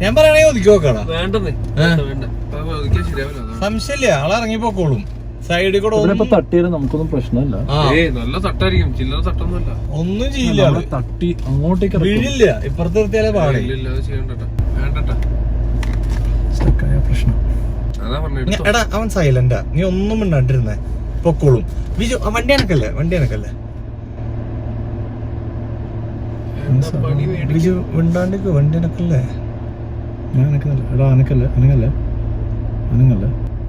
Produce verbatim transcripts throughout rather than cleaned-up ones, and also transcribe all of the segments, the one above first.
ഞാൻ പറയണേ ഒതുക്കി നോക്കണം. വേണ്ടെന്നേ, സംശയമില്ല, ആളിറങ്ങി പോക്കോളും. സൈഡിൽ കൂടെ തട്ടിയാൽ നമുക്കൊന്നും പ്രശ്നമില്ല. നല്ല തട്ടായിരിക്കും, ചില്ലറ തട്ടൊന്നുമില്ല. ഒന്നും ചെയ്യില്ല, തട്ടി അങ്ങോട്ടേക്ക് വീഴില്ല. ഇപ്പുറത്ത് നിർത്തിയാലേ പാടേ. പ്രശ്നം. എടാ അവൻ സൈലന്റാ, നീ ഒന്നും മിണ്ടാണ്ടിരുന്നേ, പൊക്കോളും. വിജു വണ്ടി എനക്കല്ലേ, വണ്ടി എനക്കല്ലേ വിജു മിണ്ടാണ്ടിക്ക്, വണ്ടി എനക്കല്ലേ. ഞാൻ അനക്കുന്നില്ല. എടാ അനക്കല്ലേ, അനങ്ങല്ലേ, അനങ്ങല്ലേ.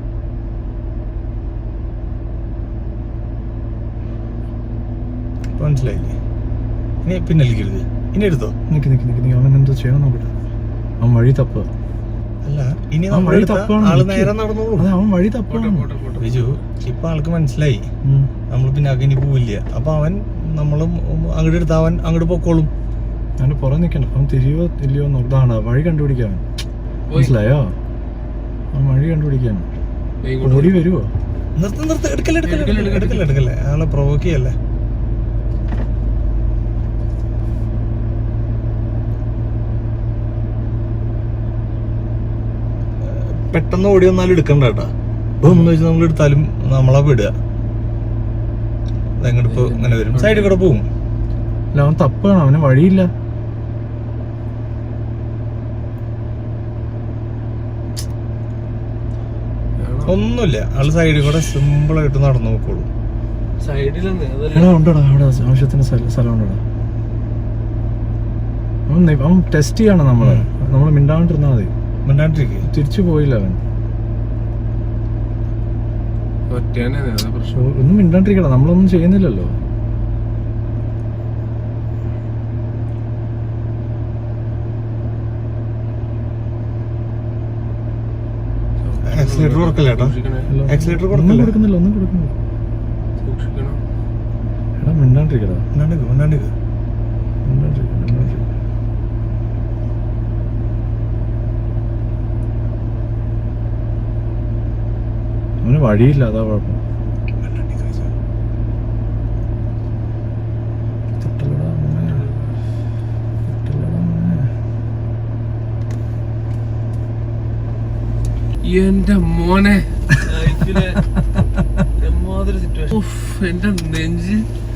മനസ്സിലായില്ലേ? ഇനി പിന്നലിക്കരുത്, ഇനി എടുത്തോ. നിക്ക് നിക്ക് നിക്ക് നീ അവൻ എന്തോ ചെയ്യണം നോക്കട്ടെ. അവൻ വഴി തപ്പുക. അല്ല ഇനി അവൻ വഴി തപ്പാണ്. ആള് നേരെ നടന്നോളൂ. അതെ അവൻ വഴി തപ്പാണ്. വിജു ഇപ്പൊ ആൾക്ക് മനസ്സിലായി നമ്മൾ പിന്നെ അകനി പോവില്ല. അപ്പൊ അവൻ നമ്മളും അങ്ങോട്ട് എടുത്ത അവൻ അങ്ങോട്ട് പൊക്കോളും. അവന്റെ പുറം നിക്കണം. അവൻ തിരിയോ ഇല്ലയോ നോക്കാണ് വഴി കണ്ടുപിടിക്കാൻ. മനസ്സിലായോ? അവൻ വഴി കണ്ടുപിടിക്കാൻ ഓടി വരുവോ? നിർത്ത് നിർത്ത്, എടുക്കല്ലേ എടുക്കല്ലേ എടുക്കല്ലേ എടുക്കല്ലേ ആളെ പ്രൊവോക്ക് ചെയ്യല്ലേ. പെട്ടെന്ന് ഓടി വന്നാലും എടുക്കണ്ട കേട്ടാ. എന്ന് വെച്ചാൽ നമ്മൾ എടുത്താലും നമ്മളാ വിടുക. എങ്ങോട്ട് ഇപ്പൊ ഇങ്ങനെ വരും, സൈഡിൽ കൂടെ പോവും. അല്ല അവൻ തപ്പാണ്, അവന് വഴിയില്ല. ഒന്നുമില്ല, ആള് സൈഡിൽ കൂടെ സിമ്പിൾ ആയിട്ട് നടന്നു നോക്കോളൂ. എടാ ഉണ്ടോടാ അവിടെ ആവശ്യത്തിന് സ്ഥലം ഉണ്ടോടാ. അവൻ അവൻ ടെസ്റ്റ് ചെയ്യണം നമ്മള്. നമ്മള് മിണ്ടാണ്ടിരുന്നാ മതി. മിണ്ടാണ്ടിരിക്കുക. തിരിച്ചു പോയില്ല അവൻ. ഒന്നും മിണ്ടാണ്ടിരിക്കണ, നമ്മളൊന്നും ചെയ്യുന്നില്ലല്ലോ. ആക്സിലേറ്റർ കൊടുക്കില്ല, ആക്സിലേറ്റർ കൊടുക്കുന്നില്ല, ഒന്നും കൊടുക്കുന്നില്ല. എടാ മിണ്ടാണ്ടിരിക്കടാ, മിണ്ടാണ്ടിരിക്കുക മിണ്ടാണ്ടിരിക്കുക മിണ്ടാണ്ടിരിക്ക മിണ്ടാണ്ടിരിക്ക അവന് വഴിയില്ല, അതാ കുഴപ്പം. എന്റെ മോനെ എന്റെ നെഞ്ച്